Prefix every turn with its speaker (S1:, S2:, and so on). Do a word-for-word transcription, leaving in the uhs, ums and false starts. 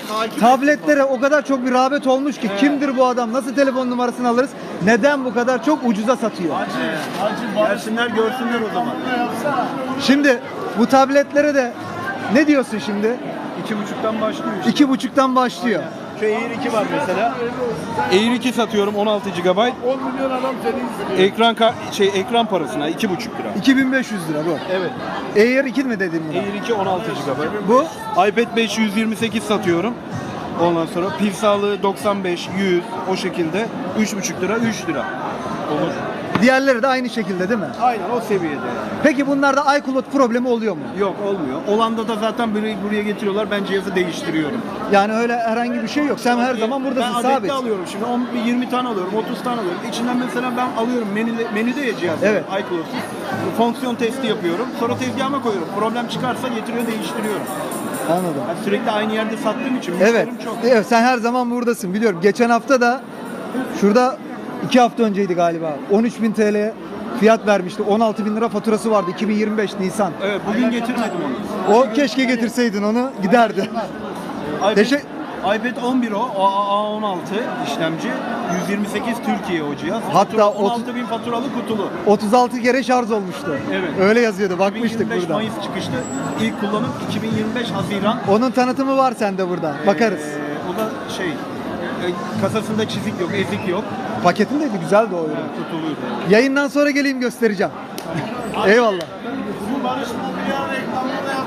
S1: tabletlere o kadar çok bir rağbet olmuş ki evet. Kimdir bu adam? Nasıl telefon numarasını alırız? Neden bu kadar çok ucuza satıyor?
S2: Gelsinler görsünler o zaman.
S1: Şimdi bu tabletlere de ne diyorsun şimdi?
S2: İki buçuktan başlıyor işte.
S1: İki buçuktan başlıyor.
S2: Aynen. Şu Air iki var mesela. Air iki satıyorum on altı gigabayt.
S3: on milyon adam seni izliyor.
S2: Ekran şey ekran parasına iki buçuk lira.
S1: iki bin beş yüz lira bu.
S2: Evet.
S1: Air iki mi dedin buna?
S2: Air iki on altı gigabayt.
S1: Bu
S2: iPad beş yüz yirmi sekiz satıyorum. Ondan sonra pil sağlığı doksan beş, yüz o şekilde üç buçuk lira, üç lira olur.
S1: diğerleri de aynı şekilde değil mi?
S2: Aynen o seviyede.
S1: Peki bunlarda iCloud problemi oluyor mu?
S2: Yok olmuyor. Olanda da zaten buraya, buraya getiriyorlar. Ben cihazı değiştiriyorum.
S1: Yani öyle herhangi bir şey yok. Sen her zaman buradasın,
S2: ben
S1: sabit.
S2: Ben alıyorum şimdi. on, yirmi tane alıyorum, otuz tane alıyorum. İçinden mesela ben alıyorum menüde, menüde ya cihaz.
S1: Evet.
S2: iCloud'suz. Fonksiyon testi yapıyorum. Sonra tezgahıma koyuyorum. Problem çıkarsa getiriyor değiştiriyorum.
S1: Anladım.
S2: Ben sürekli aynı yerde sattığım için
S1: Evet.
S2: müşterim çok.
S1: Evet, sen her zaman buradasın biliyorum. Geçen hafta da şurada iki hafta önceydi galiba. on üç bin T L fiyat vermişti. on altı bin lira faturası vardı. iki bin yirmi beş Nisan.
S2: Evet bugün getirmedim onu.
S1: O keşke getirseydin onu, giderdi.
S2: iPad,
S1: Teşekkür
S2: iPad on bir o, A on altı işlemci, yüz yirmi sekiz Türkiye o cihaz.
S1: Hatta
S2: Fatura, on altı bin faturalı kutulu.
S1: otuz altı kere şarj olmuştu.
S2: Evet.
S1: Öyle yazıyordu. Bakmıştık
S2: iki bin yirmi beş
S1: burada.
S2: Mayıs çıkışlı. İlk kullanım iki bin yirmi beş Haziran.
S1: Onun tanıtımı var sende burada. Bakarız.
S2: Ee, o da şey, e, kasasında çizik yok, ezik yok.
S1: Paketindeydi, güzeldi o ürün.
S2: Kutuluydu.
S1: Yayından sonra geleyim göstereceğim. Eyvallah.
S3: Bu barışma bir reklamını